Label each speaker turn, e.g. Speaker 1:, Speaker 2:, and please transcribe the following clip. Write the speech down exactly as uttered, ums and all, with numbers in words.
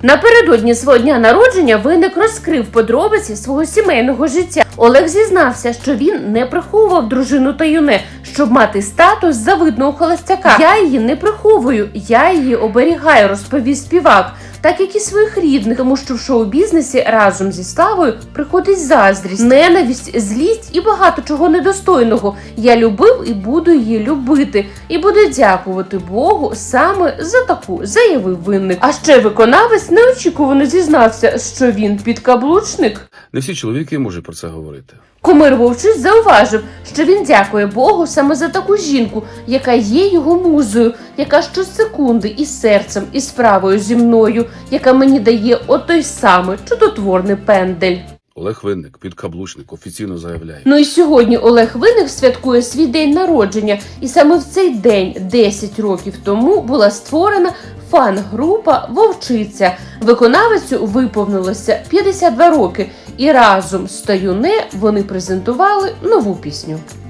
Speaker 1: Напередодні свого дня народження Винник розкрив подробиці свого сімейного життя. Олег зізнався, що він не приховував дружину та юне, щоб мати статус завидного холостяка. «Я її не приховую, я її оберігаю», – розповів співак. Так як і своїх рідних, тому що в шоу-бізнесі разом зі славою приходить заздрість, ненависть, злість і багато чого недостойного. Я любив і буду її любити. І буду дякувати Богу саме за таку, заявив Винник. А ще виконавець неочікувано зізнався, що він підкаблучник.
Speaker 2: Не всі чоловіки можуть про це говорити.
Speaker 1: Кумир Вовчиць зауважив, що він дякує Богу саме за таку жінку, яка є його музою, яка щосекунди і серцем, і справою зі мною, яка мені дає отой самий чудотворний пендель.
Speaker 2: Олег Винник, підкаблучник, офіційно заявляє.
Speaker 1: Ну і сьогодні Олег Винник святкує свій день народження. І саме в цей день, десять років тому, була створена фан-група «Вовчиця». Виконавицю виповнилося п'ятдесят два роки. І разом з Таюне вони презентували нову пісню.